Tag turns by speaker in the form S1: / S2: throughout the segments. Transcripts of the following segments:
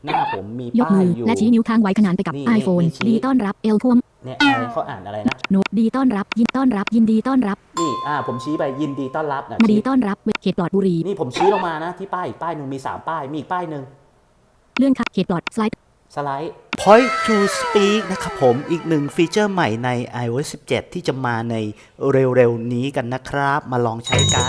S1: หน้าผมมี
S2: ยก
S1: ป้า
S2: มื
S1: ย
S2: อ
S1: อยู่
S2: และชี้นิ้วค้างไว้ขนานไปกับ
S1: นี่
S2: iPhone
S1: ชี้
S2: ดีต้อนรับเอลท่วม
S1: เนี่ยอะไรเขาอ่านอะไรนะ
S2: โนดีต้อนรับยินต้อนรับยินดีต้อนรับ
S1: นี่ผมชี้ไปยินดีต้อนรับนะ
S2: มาดี
S1: ชี้
S2: ต้อนรับเขตปลอดบุหรี่
S1: นี่ผมชี้ลงมานะที่ป้ายอีกป้ายหนึ่งมี3ป้ายมีอีกป้ายหนึ่ง
S2: เลื่อนค่ะเขตปลอดสไลด์
S1: สไลด์ Point to Speak นะครับผมอีกหนึ่งฟีเจอร์ใหม่ใน iOS 17 ที่จะมาในเร็วๆนี้กันนะครับมาลองใช้กัน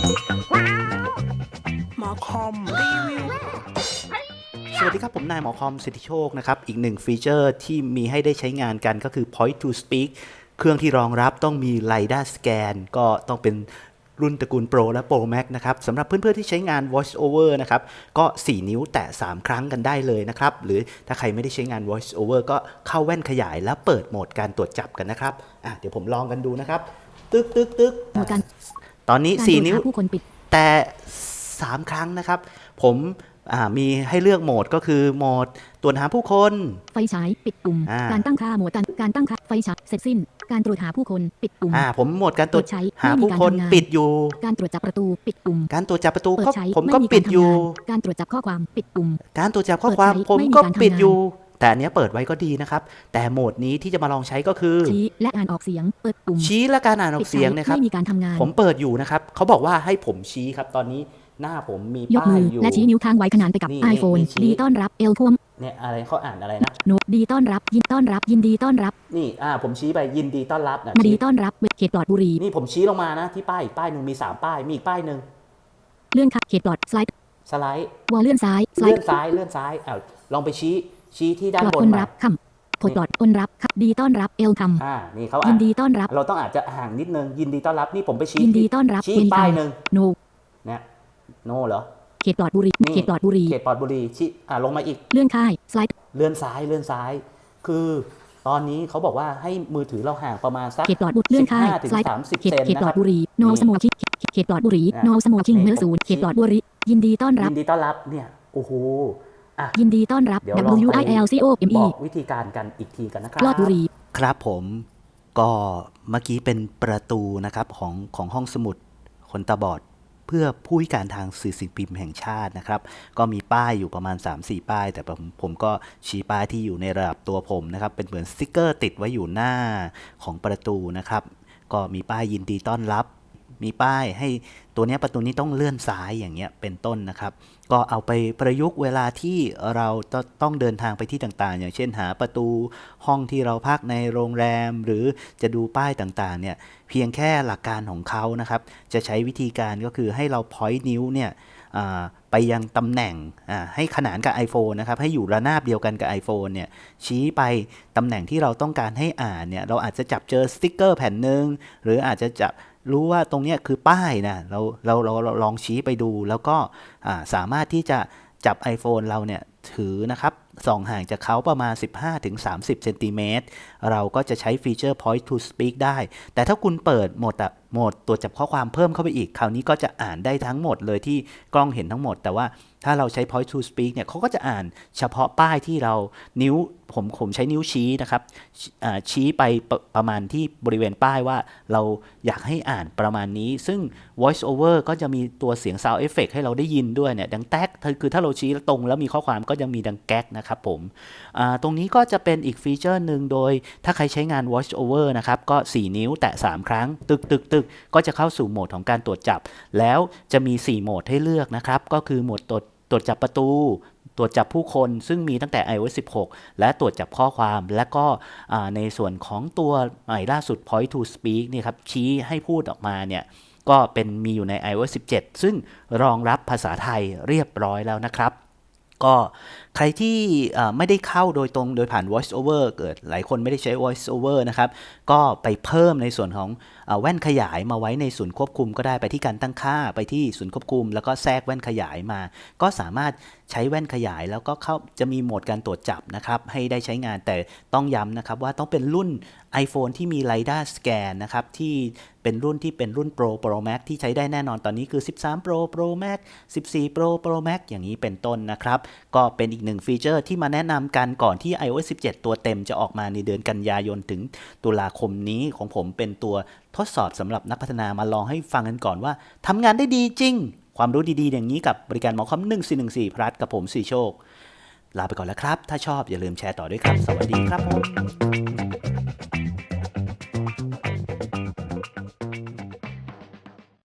S3: หมอคอมรีวิว
S1: สวัสดีครับผมนายหมอคอมสิทธิโชคนะครับอีกหนึ่งฟีเจอร์ที่มีให้ได้ใช้งานกันก็คือ Point to Speak เครื่องที่รองรับต้องมี LiDAR Scan ก็ต้องเป็นรุ่นตระกูล Pro และ Pro Max นะครับสำหรับเพื่อนๆที่ใช้งาน Voice Over นะครับก็4นิ้วแตะ3ครั้งกันได้เลยนะครับหรือถ้าใครไม่ได้ใช้งาน Voice Over ก็เข้าแว่นขยายแล้วเปิดโหมดการตรวจจับกันนะครับเดี๋ยวผมลองกันดูนะครับตึก
S2: โหมดการ
S1: ตอนนี้4นิ้ว
S2: ผู้คนปิด
S1: แต่3ครั้งนะครับผมมีให้เลือกโหมดก็คือโหมดตรวจหาผู้คน
S2: ไฟฉายปิดปุ่มการตั้งค่าโหมดการตั้งค่าไฟฉายเสร็จสิ้นการตรวจหาผู้คนปิดปุ่ม
S1: ผมโหมดการตรวจหาผู้คน
S2: ไม่มีการทำงาน
S1: ปิดอยู่
S2: การตรวจจับประตูปิดปุ่ม
S1: การตรวจจับประตู
S2: เปิด
S1: ก็
S2: ใช้
S1: ผมก็
S2: ไม่มี
S1: ปิดอยู่
S2: การทำงานการตรวจจับข้อความปิดปุ่ม
S1: การตรวจจับข้อความ
S2: เปิดใช้
S1: ผม
S2: ไม่มี
S1: ก็
S2: การทำงาน
S1: ปิดอยู่ แต่อันเนี้ยเปิดไว้ก็ดีนะครับแต่โหมดนี้ที่จะมาลองใช้ก็คือ
S2: ชี้และอ่านออกเสียงเปิดปุ่ม
S1: ชี้และการอ่านออกเสียงนะครับ
S2: ไม่มีการทำงาน
S1: ผมเปิดอยู่นะครับเขาบอกว่าให้ผมชี้ครับตอนนี้หน้าผมมี
S2: ยก
S1: ป้า
S2: มื
S1: ย
S2: อ
S1: อยู่
S2: และชี้นิ้วค้างไว้ขนานไปกับ
S1: นี่
S2: iPhone
S1: ชี้
S2: ดีต้อนรับเอลท่วม
S1: เนี่ยอะไรเขาอ่านอะไรนะ
S2: โนดีต้อนรับยินต้อนรับยินดีต้อนรับ
S1: นี่ผมชี้ไปยินดีต้อนรับนะ
S2: มาดี
S1: ชี้
S2: ต้อนรับเขตปลอดบุหรี่
S1: นี่ผมชี้ลงมานะที่ป้ายอีกป้ายหนึ่งมี3ป้ายมีอีกป้ายหนึ่ง
S2: เลื่อนค่ะเขตปลอดสไลด์
S1: สไลด์
S2: วอลเลื่อนซ้ายสไล
S1: เลื่อน
S2: ด์
S1: ซ้ายเลื่อนซ้ายลองไปชี้ที่ด้า
S2: ป
S1: น
S2: ลอด
S1: บ
S2: คน น
S1: มา
S2: รับคำผลปลอดคนรับครับดีต้อนรับเอลท
S1: นี่เขา
S2: ำยิ
S1: อ่าน
S2: ดีต้อนรับ
S1: เราต้องอาจจะห่างนิดนึงยินดีต้อนรับนี่ผมไปชี้
S2: ยินดีต้อนรับ
S1: ชี้อีกป้ายหนึ่ง
S2: โน
S1: เนี่ยโนเหรอ
S2: เขตปลอดบุหรี่
S1: นี่
S2: เขตปลอดบุหรี่
S1: เขตปลอดบุรีชี้ลงมาอีก
S2: เลื่อนค่ายสไลด์
S1: เลื่อนซ้ายคือตอนนี้เขาบอกว่าให้มือถือเราห่างประมาณสัก
S2: เขตปลอดบุหรี่เลื่อนค่าย
S1: 15ถึง
S2: สไลด์
S1: 30
S2: เขต
S1: เซน
S2: เขต
S1: นะ
S2: ปล
S1: ค
S2: อ
S1: รั
S2: ด
S1: บ
S2: บุหรี่โนสโมคิเขตปลอดบุหรี่โนสโมคิงเนื้อศูนย์เขตปลอดบุหรี่ยินดีต้อนรับ
S1: ยินดีต้อนรับเนี่ยโอ้โห
S2: ยินดีต้อนรับ
S1: เดี๋ยวลอง
S2: W
S1: ไป
S2: I L C O M
S1: บ
S2: E
S1: อกวิธีการกันอีกทีกันนะครับ
S2: ลอดบุหรี่
S1: ครับผมก็เมื่อกี้เป็นประตูนะครับของห้องสมุดคนตาบอดเพื่อผู้พิการทางสื่อสิ่งพิมพ์แห่งชาตินะครับก็มีป้ายอยู่ประมาณ 3-4 ป้ายแต่ผมก็ชี้ป้ายที่อยู่ในระดับตัวผมนะครับเป็นเหมือนสติ๊กเกอร์ติดไว้อยู่หน้าของประตูนะครับก็มีป้ายยินดีต้อนรับมีป้ายให้ตัวนี้ประตูนี้ต้องเลื่อนซ้ายอย่างเงี้ยเป็นต้นนะครับก็เอาไปประยุกต์เวลาที่เราต้องเดินทางไปที่ต่างๆอย่างเช่นหาประตูห้องที่เราพักในโรงแรมหรือจะดูป้ายต่างๆเนี่ยเพียงแค่หลักการของเขานะครับจะใช้วิธีการก็คือให้เรา point นิ้วเนี่ยไปยังตำแหน่งให้ขนานกับ iPhone นะครับให้อยู่ระนาบเดียวกันกับ iPhone เนี่ยชี้ไปตำแหน่งที่เราต้องการให้อ่านเนี่ยเราอาจจะจับเจอสติ๊กเกอร์แผ่นหนึ่งหรืออาจจะจับรู้ว่าตรงนี้คือป้ายนะเราลองชี้ไปดูแล้วก็สามารถที่จะจับ iPhone เราเนี่ยถือนะครับส่องห่างจากเขาประมาณ 15-30 เซนติเมตรเราก็จะใช้ฟีเจอร์ Point to Speak ได้แต่ถ้าคุณเปิดโหมดตรวจจับข้อความเพิ่มเข้าไปอีกคราวนี้ก็จะอ่านได้ทั้งหมดเลยที่กล้องเห็นทั้งหมดแต่ว่าถ้าเราใช้ Point to Speak เนี่ยเขาก็จะอ่านเฉพาะป้ายที่เรานิ้วผมใช้นิ้วชี้นะครับชี้ไปประมาณที่บริเวณป้ายว่าเราอยากให้อ่านประมาณนี้ซึ่ง Voice Over ก็จะมีตัวเสียง Sound Effect ให้เราได้ยินด้วยเนี่ยดังแท็กคือถ้าเราชี้ตรงแล้วมีข้อความก็ยังมีดังแก๊กนะครับผมตรงนี้ก็จะเป็นอีกฟีเจอร์หนึ่งโดยถ้าใครใช้งาน Voice Over นะครับก็4นิ้วแตะ3ครั้งตึกก็จะเข้าสู่โหมดของการตรวจจับแล้วจะมี4โหมดให้เลือกนะครับก็คือโหมดตรวจจับประตูตรวจจับผู้คนซึ่งมีตั้งแต่ iOS 16 และตรวจจับข้อความและก็ในส่วนของตัวใหม่ล่าสุด Point to Speak นี่ครับชี้ให้พูดออกมาเนี่ยก็มีอยู่ใน iOS 17 ซึ่งรองรับภาษาไทยเรียบร้อยแล้วนะครับก็ใครที่ไม่ได้เข้าโดยตรงโดยผ่าน Voice Over เกิดหลายคนไม่ได้ใช้ Voice Over นะครับก็ไปเพิ่มในส่วนของแว่นขยายมาไว้ในศูนย์ควบคุมก็ได้ไปที่การตั้งค่าไปที่ศูนย์ควบคุมแล้วก็แทรกแว่นขยายมาก็สามารถใช้แว่นขยายแล้วก็จะมีโหมดการตรวจจับนะครับให้ได้ใช้งานแต่ต้องย้ำนะครับว่าต้องเป็นรุ่น iPhone ที่มี LiDAR Scan นะครับที่เป็นรุ่น Pro Max ที่ใช้ได้แน่นอนตอนนี้คือ13 Pro Max 14 Pro Max อย่างนี้เป็นต้นนะครับก็เป็นอีกหนึ่งฟีเจอร์ที่มาแนะนำกันก่อนที่ iOS 17 ตัวเต็มจะออกมาในเดือนกันยายนถึงตุลาคมนี้ของผมเป็นตัวทดสอบสำหรับนักพัฒนามาลองให้ฟังกันก่อนว่าทำงานได้ดีจริงความรู้ดีๆอย่างนี้กับบริการหมอคอม1414 plus กับผมสีโชคลาไปก่อนแล้วครับ ถ้าชอบอย่าลืมแชร์ต่อด้วยครับ สวัสดีครับผม